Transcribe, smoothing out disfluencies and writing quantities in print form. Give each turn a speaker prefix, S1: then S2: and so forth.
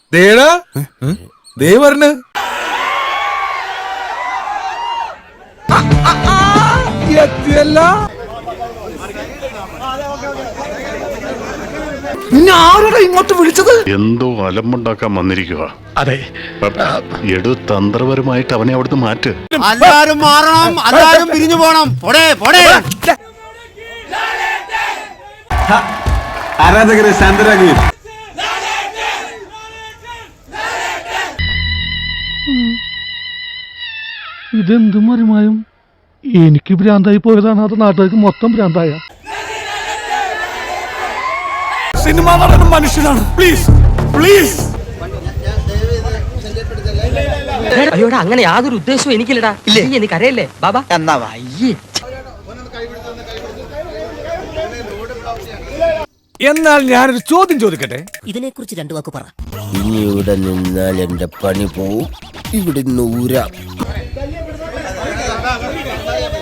S1: ദേടാ ദേ വരണ്. എത്തിയല്ല. നിന്നെ ആരുടെ ഇങ്ങോട്ട് വിളിച്ചത്?
S2: എന്തോ അലമ്പുണ്ടാക്കാൻ വന്നിരിക്കുക.
S3: അതെ,
S2: എടു തന്ത്രപരമായിട്ട് അവനെ അവിടുന്ന് മാറ്റ്.
S4: എല്ലാരും മാറണം, എല്ലാരും പിരിഞ്ഞു പോണം.
S5: ആരാധകരെ ശാന്തരാകുകയും.
S3: ഇതെന്ത് മറിമായും എനിക്ക് ഭ്രാന്തായി പോയതാണ്, അത് നാട്ടുകാർക്ക് മൊത്തം ഭ്രാന്തായ.
S1: സിനിമ നടൻ മനുഷ്യനാണ്. Please please.
S6: അയ്യോടാ, അങ്ങനെ യാതൊരു ഉദ്ദേശവും എനിക്കില്ലടാ. എനിക്ക് അറിയല്ലേ ബാബാ എന്നാ വയ്യേ.
S1: എന്നാൽ ഞാനൊരു ചോദ്യം ചോദിക്കട്ടെ?
S6: ഇതിനെക്കുറിച്ച് രണ്ടു വാക്ക് പറ.
S7: ഇനി ഇവിടെ നിന്നാൽ എന്റെ പണി പോവും. ഇവിടെ നൂരാ